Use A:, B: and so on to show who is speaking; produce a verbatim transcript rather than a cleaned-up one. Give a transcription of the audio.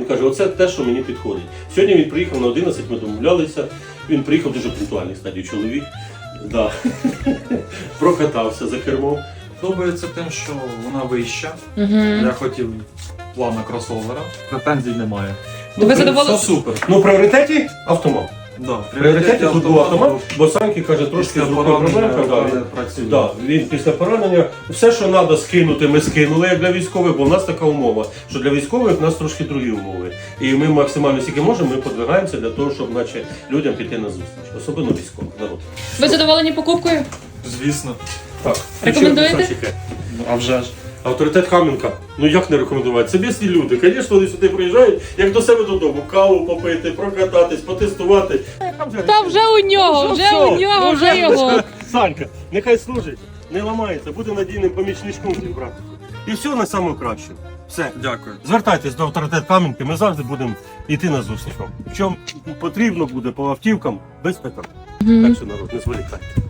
A: каже, оце те, що мені підходить. Сьогодні він приїхав на одинадцять, ми домовлялися. Він приїхав дуже пунктуальний, кстати, чоловік. Да. Прокатався за кермом.
B: Подобається тим, що вона вища.
C: Угу.
B: Я хотів плана кросовера. Претензій немає.
C: То ви задоволені?
B: Все супер.
A: Ну, в пріоритеті автомат.
B: Да,
A: В пріоритеті тут був автомат, бо Саньки каже, трошки
B: Після
A: з рукою проблемка.
B: поранення
A: Да,
B: працює.
A: да, він після поранення, все, що треба скинути, ми скинули як для військових, бо в нас така умова, що для військових в нас трошки другі умови. І ми максимально скільки можемо, ми подвигаємося для того, щоб наче, людям піти на зустріч, особливо військових народ.
C: Ви задоволені покупкою?
B: Звісно.
A: Так,
C: Рекомендуєте?
A: ще Санчики.
B: Ну, а вже ж.
A: Авторитет Кам'янка. Ну як не рекомендувати? Це бісні люди. Звісно, вони сюди приїжджають, як до себе додому. Каву попити, прокататись, потестувати.
C: Та вже у нього, вже у нього, вже його.
A: Санька, нехай служить, не ламається, буде надійним помічничком твій брат. І все на самому краще. Все.
B: Дякую.
A: Звертайтесь до авторитет Кам'янки, ми завжди будемо йти на зустріч вам. Якщо потрібно буде по автівкам, без питань. Так що народ, не зволікайте.